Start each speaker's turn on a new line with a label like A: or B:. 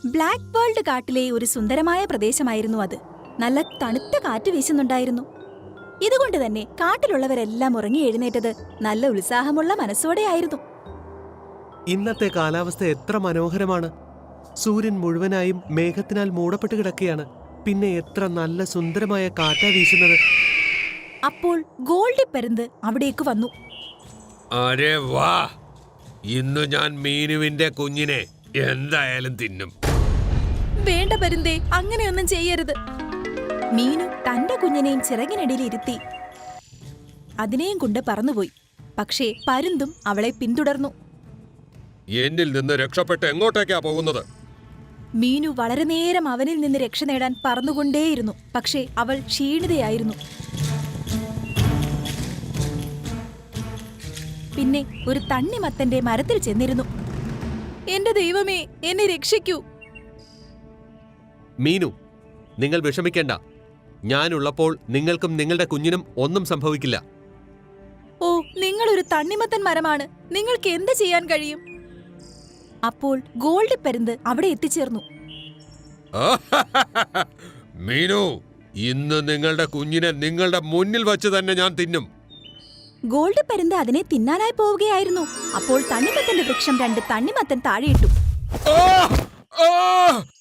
A: Black world കാട്ടിലെ ഒരു സുന്ദരമായ പ്രദേശമായിരുന്നു അത്. നല്ല തണുത്ത കാറ്റ് വീശുന്നുണ്ടായിരുന്നു. ഇതുകൊണ്ട് തന്നെ കാട്ടിലുള്ളവരെല്ലാം ഉറങ്ങി എഴുന്നേറ്റത് നല്ല ഉത്സാഹമുള്ള മനസ്സോടെയായിരുന്നു.
B: ഇന്നത്തെ കാലാവസ്ഥ എത്ര മനോഹരമാണ്. സൂര്യൻ മുഴുവനായും മേഘത്തിനാൽ മൂടപ്പെട്ട് കിടക്കുകയാണ്. പിന്നെ എത്ര നല്ല സുന്ദരമായ കാറ്റാ വീശുന്നത്.
A: അപ്പോൾ ഗോൾഡി പരുന്ത് അവിടേക്ക് വന്നു.
C: അരെ വാ, ഇന്ന് ഞാൻ മീനുവിന്റെ കുഞ്ഞിനെ എന്തായാലും തിന്നും.
A: വേണ്ട പരുന്തേ, അങ്ങനെയൊന്നും ചെയ്യരുത്. മീനു തന്റെ കുഞ്ഞിനെയും ചിറകിനടിയിൽ ഇരുത്തി അതിനെയും കൊണ്ട് പറന്നുപോയി. പക്ഷേ പരുന്തും അവളെ പിന്തുടർന്നു.
C: എന്നിൽ നിന്ന് രക്ഷപ്പെട്ട് എങ്ങോട്ടേക്കാ പോകുന്നത്?
A: മീനു വളരെ നേരം അവനിൽ നിന്ന് രക്ഷ നേടാൻ പറന്നുകൊണ്ടേയിരുന്നു. പക്ഷേ അവൾ ക്ഷീണിതയായിരുന്നു. പിന്നെ ഒരു തണ്ണിമത്തന്റെ മരത്തിൽ ചെന്നിരുന്നു. എന്റെ ദൈവമേ, എന്നെ രക്ഷിക്കൂ!
B: മീനു, നിങ്ങൾ വിഷമിക്കേണ്ട. ഞാനുള്ളപ്പോൾ നിങ്ങൾക്കും നിങ്ങളുടെ കുഞ്ഞിനും ഒന്നും സംഭവിക്കില്ല.
A: ഓ, നിങ്ങളൊരു തണ്ണിമത്തൻ മരമാണ്. നിങ്ങൾക്ക് എന്ത് ചെയ്യാൻ കഴിയും? അപ്പോൾ ഗോൾഡി പരുന്ത് അവിടെ എത്തിച്ചേർന്നു.
C: മീനു, ഇന്ന് നിങ്ങളുടെ കുഞ്ഞിനെ നിങ്ങളുടെ മുന്നിൽ വച്ച് തന്നെ ഞാൻ തിന്നും.
A: ഗോൾഡി പരുന്ത് അതിനെ തിന്നാനായി പോവുകയായിരുന്നു. അപ്പോൾ തണ്ണിമത്തന്റെ വൃക്ഷം 2 തണ്ണിമത്തൻ താഴെയിട്ടു.
C: ആ! ആ!